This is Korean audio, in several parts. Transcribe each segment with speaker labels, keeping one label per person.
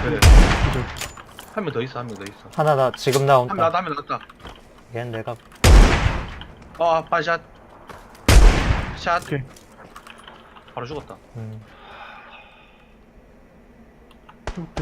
Speaker 1: 그래.
Speaker 2: 기절.
Speaker 1: 한 명 더 있어, 한 명 더 있어.
Speaker 3: 하나 나 지금
Speaker 1: 한
Speaker 3: 나온다.
Speaker 1: 명 나왔다, 한 명 나왔다.
Speaker 3: 얘는 내가
Speaker 1: 반샷. 샷.
Speaker 2: 오케이.
Speaker 1: 바로 죽었다.
Speaker 2: 좀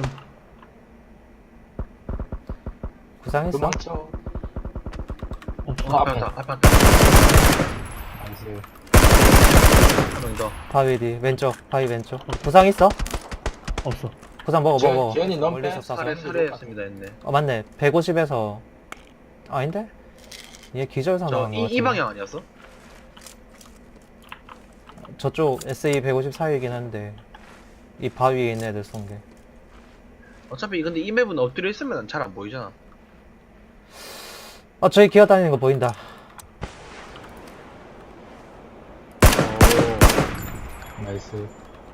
Speaker 3: 구상했어?
Speaker 4: 도망쳐.
Speaker 2: 없어.
Speaker 1: 앞에 왔다, 앞에 왔다.
Speaker 4: 나이스.
Speaker 1: 한 명 더.
Speaker 3: 바위 뒤 왼쪽 바위 왼쪽. 구상 있어?
Speaker 2: 없어.
Speaker 3: 구상 먹어.
Speaker 4: 지현이 너무
Speaker 3: 멀리서
Speaker 4: 빼.
Speaker 3: 쏴서.
Speaker 1: 살해했습니다, 했네.
Speaker 3: 맞네. 150에서 아닌데? 얘 기절상 나간 거 같은데.
Speaker 1: 이 방향 아니었어?
Speaker 3: 저쪽 SE 154이긴 한데 이 바위에 있는 애들 쏜 게.
Speaker 1: 어차피 근데 이 맵은 엎드려 있으면 잘 안 보이잖아.
Speaker 3: 저기 기어다니는 거 보인다.
Speaker 4: 나이스.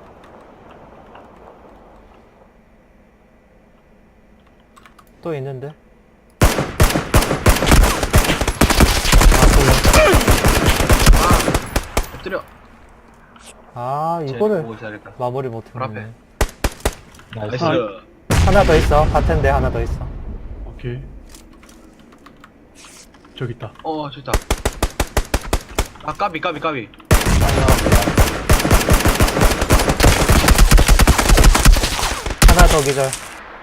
Speaker 3: 또 있는데?
Speaker 1: 엎드려.
Speaker 3: 이거를
Speaker 1: 보고 있어야겠다.
Speaker 3: 마무리
Speaker 1: 바로
Speaker 3: 못했네.
Speaker 1: 나이스.
Speaker 3: 하나 더 있어. 같은데 하나 더 있어.
Speaker 2: 오케이. 저기 있다.
Speaker 1: 저기 있다. 까비.
Speaker 3: 하나 더 기절.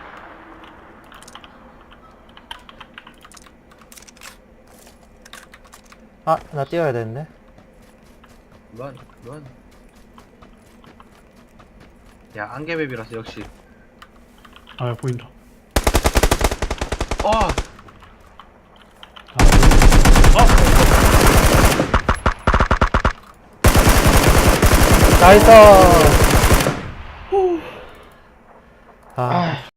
Speaker 3: 나 뛰어야 되는데.
Speaker 1: 런. 야, 안개맵이라서 역시.
Speaker 2: 아, 보인다.
Speaker 1: 어!
Speaker 3: 나이스!